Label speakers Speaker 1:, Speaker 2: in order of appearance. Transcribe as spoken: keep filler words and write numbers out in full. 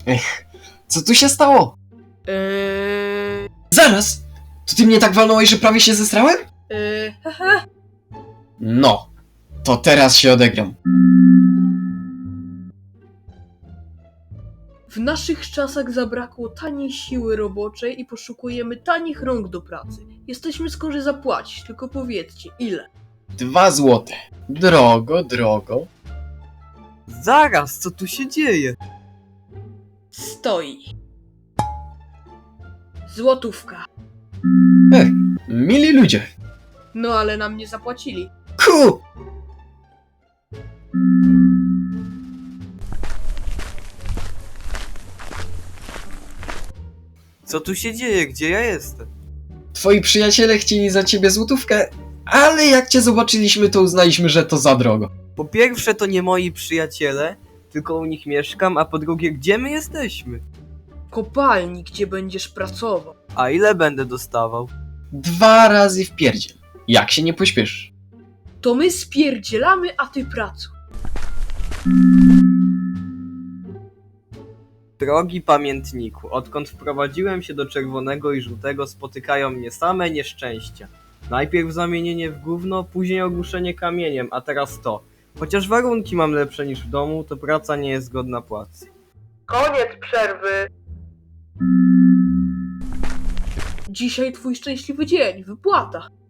Speaker 1: Ech, co tu się stało?
Speaker 2: Eee...
Speaker 1: Zaraz! To ty mnie tak walnąłeś, że prawie się zesrałem?
Speaker 2: Eee... Haha.
Speaker 1: No, to teraz się odegram.
Speaker 2: W naszych czasach zabrakło taniej siły roboczej i poszukujemy tanich rąk do pracy. Jesteśmy skorzy zapłacić, tylko powiedzcie, ile?
Speaker 1: Dwa złote. Drogo, drogo.
Speaker 3: Zaraz, co tu się dzieje?
Speaker 2: Stoi. Złotówka.
Speaker 1: Mili ludzie.
Speaker 2: No ale nam nie zapłacili.
Speaker 1: Ku!
Speaker 3: Co tu się dzieje? Gdzie ja jestem?
Speaker 1: Twoi przyjaciele chcieli za ciebie złotówkę, ale jak cię zobaczyliśmy, to uznaliśmy, że to za drogo.
Speaker 3: Po pierwsze, to nie moi przyjaciele, tylko u nich mieszkam, a po drugie, gdzie my jesteśmy?
Speaker 2: Kopalni, gdzie będziesz pracował.
Speaker 3: A ile będę dostawał?
Speaker 1: Dwa razy w pierdziel. Jak się nie pośpieszysz?
Speaker 2: To my spierdzielamy, a ty pracuj.
Speaker 3: Drogi pamiętniku, odkąd wprowadziłem się do czerwonego i żółtego, spotykają mnie same nieszczęścia. Najpierw zamienienie w gówno, później ogłuszenie kamieniem, a teraz to. Chociaż warunki mam lepsze niż w domu, to praca nie jest godna płacy.
Speaker 2: Koniec przerwy. Dzisiaj twój szczęśliwy dzień, wypłata.